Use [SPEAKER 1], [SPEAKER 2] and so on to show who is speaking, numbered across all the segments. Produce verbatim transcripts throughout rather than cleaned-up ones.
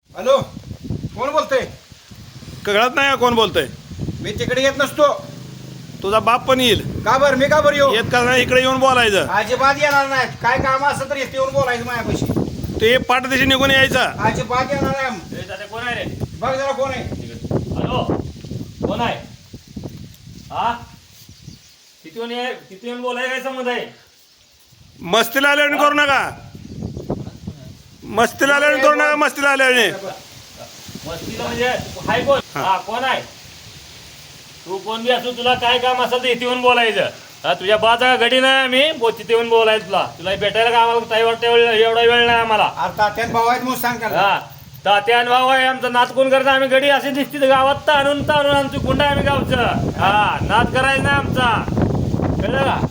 [SPEAKER 1] Hello, कोण बोलतोय?
[SPEAKER 2] कळत नाही का कोण बोलतंय?
[SPEAKER 1] मी तिकडे येत नसतो.
[SPEAKER 2] तुझा बाप पण येईल.
[SPEAKER 1] का बर मी का बरं येऊ?
[SPEAKER 2] येत का नाही इकडे येऊन बोलायचं.
[SPEAKER 1] अजिबात येणार नाही. काय काम असं तर येते येऊन बोलायचं माझ्यापाशी.
[SPEAKER 2] ते पाठदेशी निघून यायचा.
[SPEAKER 1] अजिबात येणार नाही.
[SPEAKER 3] ए, दादा कोण आहे रे?
[SPEAKER 1] बघ जरा कोण आहे.
[SPEAKER 3] हॅलो, कोण आहे? हा, किती येऊन आहे? किती येऊन बोलाय काय संबंध आहे?
[SPEAKER 2] मस्तीला आल्याने करू नका. मस्तीला आल्याने करू नका. मस्तीला आल्याने
[SPEAKER 3] मस्तीला म्हणजे हाय कोण? हा, कोण आहे? तू कोण बी असू, तुला काय काम असेल तर इथे येऊन बोलायचं. हा, तुझ्या बाचा गडी नाही आम्ही बो तिथे येऊन बोलायचं. तुला तुला भेटायला का आम्हाला काही वाटतं एवढा वेळ नाही आम्हाला.
[SPEAKER 1] अरे तात्यान भाऊ आहेत म्हणून सांग त्याला.
[SPEAKER 3] हा, तात्यान भाऊ आहे आमचा. नात कोण करता? आम्ही गडी असे दिसते गावात ताणून ताणून आमची गुंड आहे आम्ही गावचं. हा, नात करायचं नाही आमचा, कळलं का?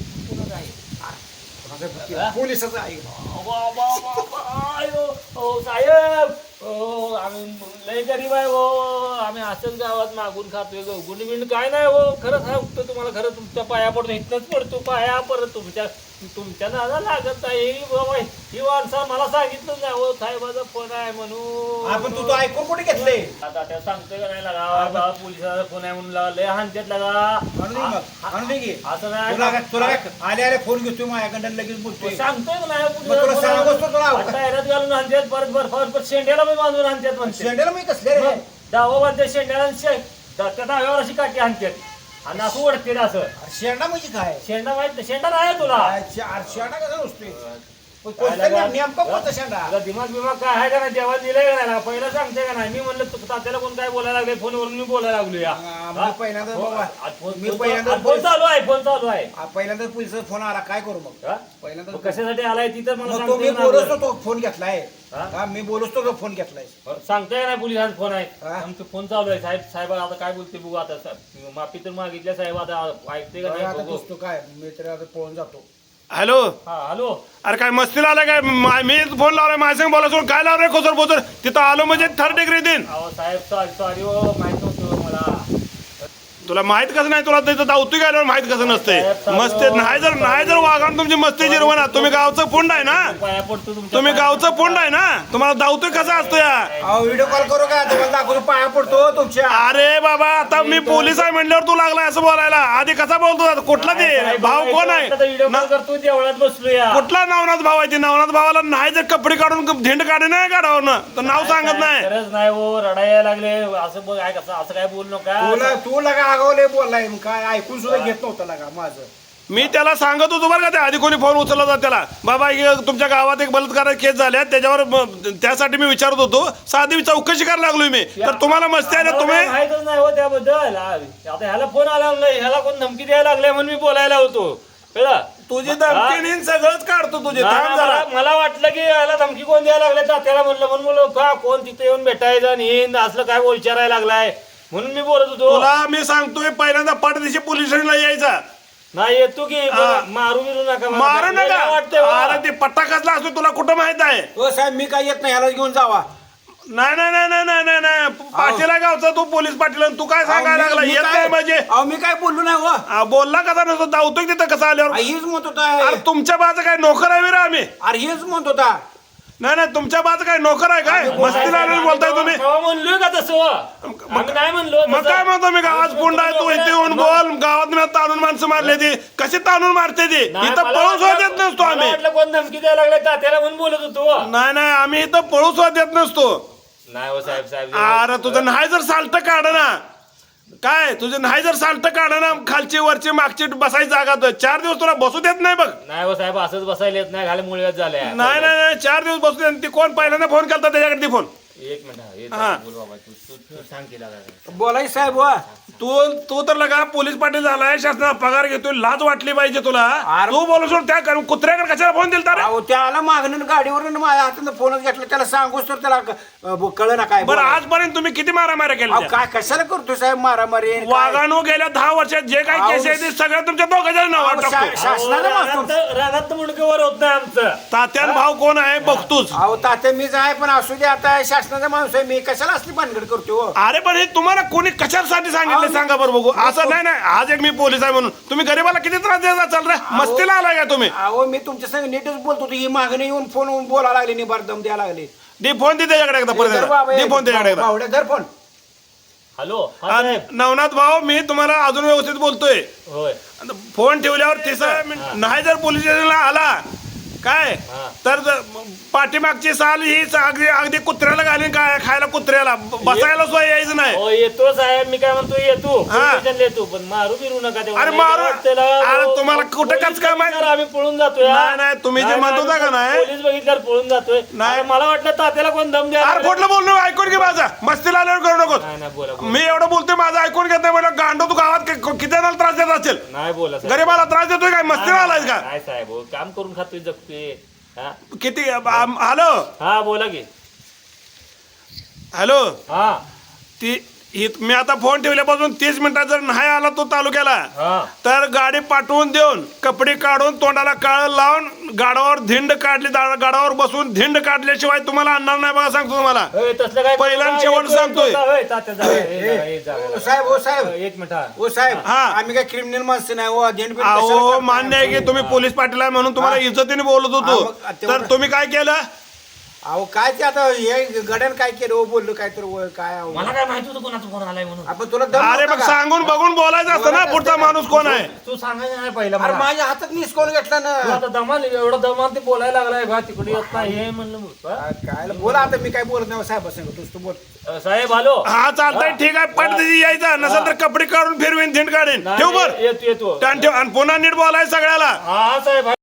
[SPEAKER 1] पोलिसाचं आहे.
[SPEAKER 3] वा, वा, वा, वा, आयो, ओ साहेब, ओ आम्ही लय गरीब आहे हो. आम्ही असंच गावात मागून खातोय. गुंड बिंड काय नाही हो. खरं सांगतो तुम्हाला, खरं तुमच्या पाया पडतो. इथनच पडतो पाया. परत तुमच्या तुमच्या नादा लागत आहे बाबा. ही माणसा मला सांगितलं नाही हो, साहेबाचा फोन आहे म्हणून.
[SPEAKER 1] आपण तू तो ऐकून कुठे घेतले?
[SPEAKER 3] आता त्या सांगतोय का नाही लागा, पोलिसाचा फोन आहे म्हणून लागा. लय हानत्यात लागा.
[SPEAKER 1] आणून दे मग, आणून दे की.
[SPEAKER 3] असं नाही.
[SPEAKER 1] तुला काय- तुला काय आले आले फोन घेतोय माझ्याकडे लगेच बोलतोय.
[SPEAKER 3] सांगतोय का
[SPEAKER 1] मग तुला सांगतोच तर तुला
[SPEAKER 3] नाही? टायरात घालून आणतात, परत बर्फावर परत शेंड्याला मी बांधून आणतात म्हणते.
[SPEAKER 1] शेंड्याला मी कसले रे?
[SPEAKER 3] डावा बांधते शेंड्याला आणि शे- दा- त्या डाव्यावर अशी काठी आणतात आणि असं ओढते असं.
[SPEAKER 1] अरे शेंडा म्हणजे काय?
[SPEAKER 3] शेंडा माहित नाही? शेंडा नाही तुला?
[SPEAKER 1] अरे शेंडा कसा नसतोय? कोणता नेम- नेमका कोणता शेंडा?
[SPEAKER 3] तुला दिमाग बिमाग काय आहे का नाही? देवा दिलंय का नाही? पहिलं सांगते का नाही? मी म्हणलं तू तात्याला कोण काय बोलायला लागले फोनवरून, मी बोलायला लागलो या.
[SPEAKER 1] हा, मी
[SPEAKER 3] हा?
[SPEAKER 1] पहिल्यांदा
[SPEAKER 3] हो,
[SPEAKER 1] बाबा,
[SPEAKER 3] आज फोन-
[SPEAKER 1] मी
[SPEAKER 3] फोन-
[SPEAKER 1] पहिल्यांदा
[SPEAKER 3] आज फोन चालू आहे, फोन चालू आहे.
[SPEAKER 1] हा, पहिल्यांदा पोलिसचा फोन आला. काय करू मग?
[SPEAKER 3] हा?
[SPEAKER 1] पहिल्यांदा
[SPEAKER 3] मग कशासाठी आलाय तिथं मला
[SPEAKER 1] मग तो मी
[SPEAKER 3] सांगते का
[SPEAKER 1] बोलतो
[SPEAKER 3] नाही?
[SPEAKER 1] तो फोन घेतलाय.
[SPEAKER 3] हा?
[SPEAKER 1] हा, मी बोलतो तो फोन घेतलाय.
[SPEAKER 3] सांगताय का नाही? पोलिसांचा फोन आहे.
[SPEAKER 1] हा?
[SPEAKER 3] आमचं फोन चालू आहे. साहेब साहेब आता काय बोलते बघू. आता साहेब, माफी तर मागितल्या साहेब. आता ऐकते का
[SPEAKER 1] आता
[SPEAKER 3] नाही बघू.
[SPEAKER 1] दिसतो काय, मी तर आता पळून जातो.
[SPEAKER 2] हॅलो,
[SPEAKER 3] हा, हॅलो.
[SPEAKER 2] अरे काय मस्तीला आलाय काय? मा- मी फोन लावलाय माझ्या संग बोला सोडून काय लावलंय खोचर पोचर. तिथं आलो म्हणजे थर्ड डिग्री देईन.
[SPEAKER 3] अहो साहेब, सॉरी सॉरी हो, माहित नव्हतं मला.
[SPEAKER 2] तुला माहित कसं नाही? तुला तिथं धावतोय काय माहित कसं नसतंय? मस्ती नाही जर नाही जर वागण तुमची मस्ती जिरवणार. तुम्ही गावचं पुंड आहे ना?
[SPEAKER 3] पाया पडतो तुमच्या.
[SPEAKER 2] तुम्ही गावचं पुंड आहे ना? तुम्हाला धावतोय कसं असतं या?
[SPEAKER 1] अहो व्हिडिओ कॉल करू का? तुम्हाला दाखवतो, पाया पडतो तुमच्या.
[SPEAKER 2] अरे बाबा, आता मी पोलीस आहे म्हणल्यावर तू लागलाय असं बोलायला. आधी कसा बोलतो आता? कुठला ते भाव कोण आहे?
[SPEAKER 3] व्हिडिओ कॉल
[SPEAKER 2] ना-
[SPEAKER 3] करतो देवळात बसलो या.
[SPEAKER 2] कुठला नवनाथ भाव आहे? ते नवनाथ भावाला नाही जर कपडे काढून झेंड काढे नाही काढावं ना तर नाव सांगत नाही.
[SPEAKER 3] गरज नाही हो, रडायला लागले असं बघ. काय कसं असं काय बोलू नका.
[SPEAKER 1] तुला तू लगा आगावले बोललाय. मग काय ऐकून सुद्धा घेत नव्हतं लगा माझं.
[SPEAKER 2] मी त्याला सांगत होतो बरं का, ते आधी कोणी फोन उचलला होता त्याला, बाबा हे तुमच्या गावात एक बलात्कार केस झाल्या त्याच्यावर म- त्यासाठी मी विचारत होतो. साधी चौकशी करायला लागलोय मी. तर तुम्हाला मस्ती आहे ना? तुम्ही
[SPEAKER 3] माहितच नाही हो त्याबद्दल. आता ह्याला फोन आला नाही, ह्याला कोण धमकी द्यायला लागले म्हणून मी बोलायला होतो. कळलं?
[SPEAKER 2] तुझी धमकी नीन सगळंच काढतो तुझे.
[SPEAKER 3] नाही,
[SPEAKER 2] थांब जरा.
[SPEAKER 3] मला मला वाटलं की याला धमकी कोण द्यायला लागले. तात्याला म्हणलं म्हणून बोललो का कोण तिथे येऊन भेटायचं आणि हिंद असलं काय विचारायला लागलाय म्हणून मी बोलत होतो.
[SPEAKER 2] तुला मी सांगतोय पहिल्यांदा पाठदेशी पोलीस स्टेशनला यायचा.
[SPEAKER 3] नाही येतो की
[SPEAKER 2] हा.
[SPEAKER 3] मारू बिरू नका मला.
[SPEAKER 2] मारू
[SPEAKER 3] लय
[SPEAKER 2] नका.
[SPEAKER 3] वाटतंय हो.
[SPEAKER 2] अरे ते पट्टा कसला असतो तुला कुठं माहित आहे?
[SPEAKER 1] हो साहेब, मी काय येत नाही. ह्याला घेऊन जावा.
[SPEAKER 2] नाही नाही नाही नाही नाही नाही नाही पाटीला गावचा तू पोलीस पाटील आणि तू काय सांगायला
[SPEAKER 1] अहो, मी-
[SPEAKER 2] लागला?
[SPEAKER 1] मी
[SPEAKER 2] येत
[SPEAKER 1] काय-
[SPEAKER 2] नाही म्हणजे
[SPEAKER 1] अहो मी काय बोललो नाही हो.
[SPEAKER 2] आ, बोलला कसा नसतो? धावतोय तिथं कसं आल्यावर?
[SPEAKER 1] हीच म्हणत
[SPEAKER 2] अरे
[SPEAKER 1] होता.
[SPEAKER 2] तुमच्या बाजू काय नोकर आहे विरा आम्ही?
[SPEAKER 1] अरे हेच म्हणत होता.
[SPEAKER 2] नाही नाही तुमच्या बाजू काय नोकर आहे काय?
[SPEAKER 3] नाही,
[SPEAKER 2] मस्तीला
[SPEAKER 3] साहेब,
[SPEAKER 2] आलेलं बोलताय तुम्ही.
[SPEAKER 3] केव्हा म्हणलोय का तसं? आम्ही नाही म्हणलो
[SPEAKER 2] मग
[SPEAKER 3] तसं.
[SPEAKER 2] काय म्हणतो मी? गावात पुंड आहे तू, इथे येऊन बोल. गावात मी ताणून माणसं मारले ती कशी ताणून मारते ती?
[SPEAKER 3] नाही,
[SPEAKER 2] इथं
[SPEAKER 3] मला
[SPEAKER 2] पळू सुद्धा
[SPEAKER 3] वाटलं-
[SPEAKER 2] देत नसतो
[SPEAKER 3] मला
[SPEAKER 2] आम्ही.
[SPEAKER 3] वाटलं कोण धमकी द्यायला लागले तात्याला म्हणून बोलत होतो.
[SPEAKER 2] नाही नाही आम्ही इथं पळू सुद्धा देत नसतो.
[SPEAKER 3] नाही हो साहेब साहेब.
[SPEAKER 2] अरे तुझं नाही जर साल्ट काढ ना, काय तुझं नाही जर साल्ट काढ ना, खालची वरची मागची बसायची जागा तो चार दिवस तुला बसू देत नाही बघ.
[SPEAKER 3] नाही हो साहेब, असंच बसायला येत नाही. घाले मुळव्यात झाले.
[SPEAKER 2] नाही नाही नाही चार दिवस बसू दे. ती कोण पहिल्यांदा फोन केला त्याच्याकडे ती फोन.
[SPEAKER 3] एक मिनिट हा, येत
[SPEAKER 2] हा.
[SPEAKER 3] आहे. बोल बाबा, तू तू- तू सांग केला काय.
[SPEAKER 1] बोलाय साहेब हो.
[SPEAKER 2] तू तू तर लगा पोलीस पाटील झालाय, शासनाला पगार घेतोय, लाज वाटली पाहिजे तुला.
[SPEAKER 1] अरे-
[SPEAKER 2] तू बोलू सोड त्या कर- कुत्र्याकडे कशाला फोन दिलता रे?
[SPEAKER 1] अहो त्या आला मागणं गाडीवरून माझ्या हातात फोनच घेतला. त्याला सांगूच तर त्याला कळ ना काय
[SPEAKER 2] बरं
[SPEAKER 1] बोलायचं.
[SPEAKER 2] आजपर्यंत तुम्ही किती मारामाऱ्या
[SPEAKER 1] अहो
[SPEAKER 2] केल्या?
[SPEAKER 1] काय कशाला करतो साहेब मारामारी काय?
[SPEAKER 2] वाघानो गेल्या दहा वर्षात जे काही
[SPEAKER 1] अहो,
[SPEAKER 2] केस आहे ते सगळं तुमच्या दोघांच्या नावावर
[SPEAKER 1] अहो,
[SPEAKER 2] टाकतो.
[SPEAKER 1] शा- शासनाला मागतो.
[SPEAKER 3] रानात मुंडकेवर होत नाही आमचं.
[SPEAKER 2] तात्यान भाव कोण आहे बघतोच.
[SPEAKER 1] अहो तात्या मीच आहे, पण असू दे आता शासनाचा माणूस आहे मी. कशाला असली भानगड करतो हो?
[SPEAKER 2] अरे पण हे तुम्हाला कोणी कशासाठी सांगितले
[SPEAKER 1] अहो,
[SPEAKER 2] सांगा बरं बघू. असं नाही नाही आज एक मी पोलीस आहे म्हणून तुम्ही गरीबाला किती त्रास द्यायचा चाल रे? मस्तीला आलाय का तुम्ही?
[SPEAKER 1] अहो मी तुमच्या संग नीटच बोलतो. ही मागणी येऊन फोन बोलायला लागली, निबार दम द्यायला लागली.
[SPEAKER 2] दे फोन दे त्याच्याकडे एकदा परत
[SPEAKER 1] धर
[SPEAKER 2] एकदा.
[SPEAKER 1] बाबा,
[SPEAKER 2] दे फोन त्याच्याकडे एकदा.
[SPEAKER 1] बावड्या, धर फोन.
[SPEAKER 3] हॅलो हा
[SPEAKER 2] आणि
[SPEAKER 3] साहेब
[SPEAKER 2] नवनाथ भाऊ मी तुम्हाला अजून व्यवस्थित बोलतोय
[SPEAKER 3] होय
[SPEAKER 2] आता फोन ठेवल्यावर तिसरा मिनिट नाही जर पोलीस स्टेशनला आला काय
[SPEAKER 3] हा.
[SPEAKER 2] तर ज- पाठीमागची साल ही स- अगदी अगदी कुत्र्याला घालीन काय खायला कुत्र्याला ब- बसायला सुद्धा यायचं नाही
[SPEAKER 3] हो येतो साहेब मी काय म्हणतो येतो
[SPEAKER 2] हा.
[SPEAKER 3] पोलिसांना येतो पण मारू बिरू नका तेव्हा.
[SPEAKER 2] अरे
[SPEAKER 3] नाही
[SPEAKER 2] मारू-
[SPEAKER 3] वाटतं ना,
[SPEAKER 2] अरे
[SPEAKER 3] हो,
[SPEAKER 2] तुम्हाला
[SPEAKER 3] हो,
[SPEAKER 2] कुठं
[SPEAKER 3] पोलीस
[SPEAKER 2] कचकाम आहे?
[SPEAKER 3] बघितल्यावर आम्ही पळून जातोय हा.
[SPEAKER 2] नाही, नाही, तुम्ही जे
[SPEAKER 3] नाही,
[SPEAKER 2] म्हणत होता का नाही?
[SPEAKER 3] पोलीस बघितल्यावर पळून जातोय
[SPEAKER 2] नाही.
[SPEAKER 3] अरे मला वाटलं तात्याला कोण दम द्या
[SPEAKER 2] अरे कुठलं बोललो ऐकून घे माझा मस्तीला आल्यावर करू नको
[SPEAKER 3] नाही नाही बोला बोला.
[SPEAKER 2] मी एवढं बोलतोय माझं ऐकून घेत नाही म्हणलं गांडो तू गावात कि- किती जणांना त्रास देत असेल
[SPEAKER 3] नाही बोला साहेब.
[SPEAKER 2] गरीबाला त्रास देतोय काय मस्तीला आलायस का
[SPEAKER 3] नाही साहेब हो, काम करून खातोय जगतोय हा
[SPEAKER 2] किती आम- हॅलो
[SPEAKER 3] हा बोला की
[SPEAKER 2] हॅलो
[SPEAKER 3] हा
[SPEAKER 2] ती ही मी आता फोन ठेवल्यापासून तीस मिनिटात जर नाही आला तो तालुक्याला
[SPEAKER 3] हा
[SPEAKER 2] तर गाडी पाठवून देऊन कपडे काढून तोंडाला काळ लावून गाडावर धिंड काढली दा- गाडावर बसून धिंड काढल्याशिवाय तुम्हाला आणणार नाही बघा सांगतो तुम्हाला
[SPEAKER 3] होय, तसलं काय
[SPEAKER 2] पहिला आणि शेवट
[SPEAKER 3] येतो,
[SPEAKER 2] सांगतोय.
[SPEAKER 3] येतो, होय, तात्या जागा, हे जागा, हे जागा,
[SPEAKER 1] ओ
[SPEAKER 3] जागा.
[SPEAKER 1] साहेब, ओ साहेब.
[SPEAKER 3] एक मिनिट हा.
[SPEAKER 1] ओ साहेब
[SPEAKER 2] हा.
[SPEAKER 1] आम्ही काय क्रिमिनल माणसं नाही हो झेंड बिंड
[SPEAKER 2] अहो
[SPEAKER 1] कशाला
[SPEAKER 2] मान्य आहे की
[SPEAKER 1] करताय?
[SPEAKER 2] तुम्ही पोलीस पाटील आहे म्हणून तुम्हाला इज्जतीने बोलत
[SPEAKER 1] हा,
[SPEAKER 2] होतो
[SPEAKER 1] मग तेवढं-
[SPEAKER 2] तर तुम्ही काय केलं
[SPEAKER 1] अहो काय ते आता हे गड्यान काय केलं हो बोललो काय तर व- काय अहो.
[SPEAKER 3] मला काय माहिती होतं कोणाचा फोन आलाय म्हणून
[SPEAKER 1] आपण तुला दम
[SPEAKER 2] अरे
[SPEAKER 1] नव्हता
[SPEAKER 2] मग
[SPEAKER 1] का?
[SPEAKER 2] सांगून बघून बोलायचं असतं ना
[SPEAKER 1] बोलायचं
[SPEAKER 2] पुढचा
[SPEAKER 1] असतं का?
[SPEAKER 2] माणूस कोण आहे
[SPEAKER 3] तू सांगायचं नाही पहिला
[SPEAKER 1] अरे
[SPEAKER 3] मला.
[SPEAKER 1] माझ्या हातात निसकवून घेतला ना
[SPEAKER 3] तू आता दमान एवढं दमान ते बोलायला लागलाय बा तिकडे येत नाही हे म्हणलं मग. हा?
[SPEAKER 1] काय बोला आता मी काय बोलत नाही साहेब सांग तूच तू बोल
[SPEAKER 3] अ, साहेब हॅलो
[SPEAKER 2] हा चालतंय ठीक आहे पण त्याची यायचा नसेल तर कपडे काढून फिरवीन धिंड काढीन ठेव बर
[SPEAKER 3] येतो येतो
[SPEAKER 2] ठेव आणि पुन्हा नीट बोलायचं सगळ्याला
[SPEAKER 3] हा साहेब